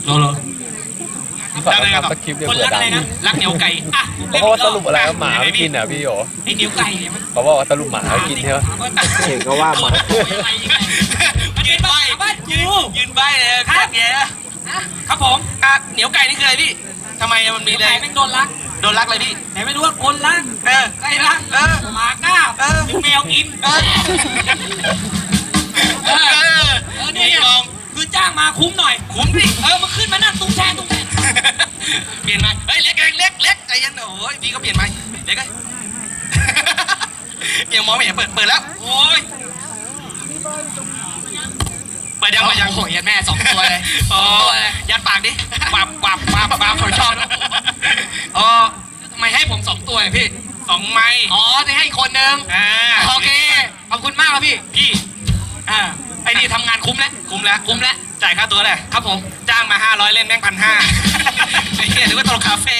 เหรอพี่ฝากทำสคริปต์เดี๋ยวคนเผื่รัอก ดัอะไรงนะรักเหนียวไก่อ่ะเพราะว่าสรุปอะไรหมาไม่กินอ่ะพี่โยไอเหนียวไก่เนี่ยมันเขาบอกว่าสรุปหมาไม่กินใช่ไหมเห็นก็ว่ามามันเป็นบ้านกูยืนใบเลยครับแกครับผมเหนียวไก่นี่คืออะไรพี่ทำไมมันมีอะไรไม่โดนรักเลยพี่ไหนไม่รู้ว่าคนรักไก่รักหมาก้าหรือแมวกินนี่ลองคือจ้างมาคุ้มหน่อยคุ้มดิมาขึ้นมานั่งตุ้งแช่เปลี่ยนไหมเฮ้ยเล็กใจเย็นโอ้ยพี่ก็เปลี่ยนไหมเล็กไงยังมองไม่เห็นเปิดแล้วโอ้ยเปิดยังโอ้ยยัดแม่2 ตัวเลยยัดปากดิปับผมชอบทำไมให้ผม2 ตัวพี่2 ไม้จะให้คนนึงโอเคขอบคุณมากครับพี่ไอ้นี่ทำงานคุ้มแล้วจ่ายค่าตัวเลยครับผมจ้างมา500เล่นแม่ง1,500ไอ้เหี้ยหรือว่าตลกคาเฟ่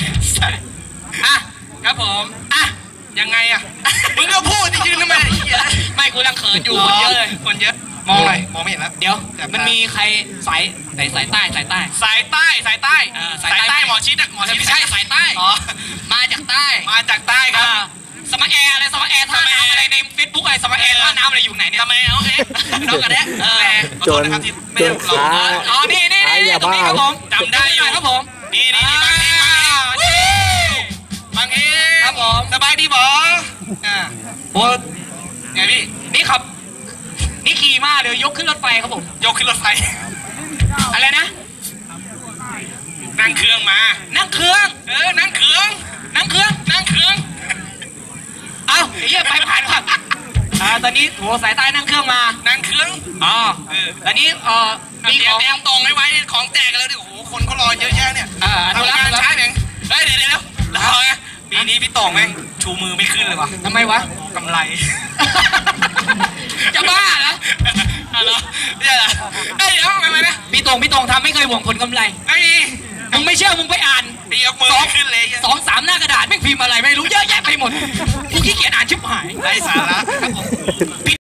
ครับผมยังไงมึงก็พูดยืนทำไมไม่กูรังเขินอยู่คนเยอะเลยมองเลยมองไม่เห็นแล้วเดี๋ยวมันมีใครสายใต้สายใต้หมอชิดไม่ใช่สายใต้มาจากใต้ครับสมาแอร์อะไรสมาแอร์ท่าน้ำอะไรในเฟซบุ๊กอะไรสมาแอร์ท่าน้ำอะไรอยู่ไหนเนี่ยสมาแอร์โอเคน้องกันแน่จนค้านี่ตรงนี้ครับผมจำได้อยู่ครับผมนี่บางเอ๋ครับผมสบายดีบอโอ้ไงพี่นี่ครับนี่ขี่มาเดี๋ยวยกขึ้นรถไฟครับผมยกขึ้นรถไฟอะไรนะนั่งเครื่องมานั่งเครื่องเอ้าไอ้เหี้ยไปผ่านครับตอนนี้โหสายใต้นั่งเครื่องมาตอนนี้มีของแดงตรงไว้ของแจกกันแล้วดิโอ้โหคนเขารอเยอะแยะเนี่ยทำงานช้าเองเดี๋ยวรอไงปีนี้พี่ตองแม่งชูมือไม่ขึ้นเลยวะทำไมวะกำไรจะบ้าเหรอไม่ใช่เหรอเดี๋ยวทำไมนะพี่ตองทำไม่เคยหวงผลกำไรมึงไม่เชื่อมึงไปอ่าน2-3 หน้ากระดาษแม่งพิมพ์อะไรไม่รู้เยอะแยะไปหมดกูขี้เกียจอ่านชิบหายไร้สาระครับผม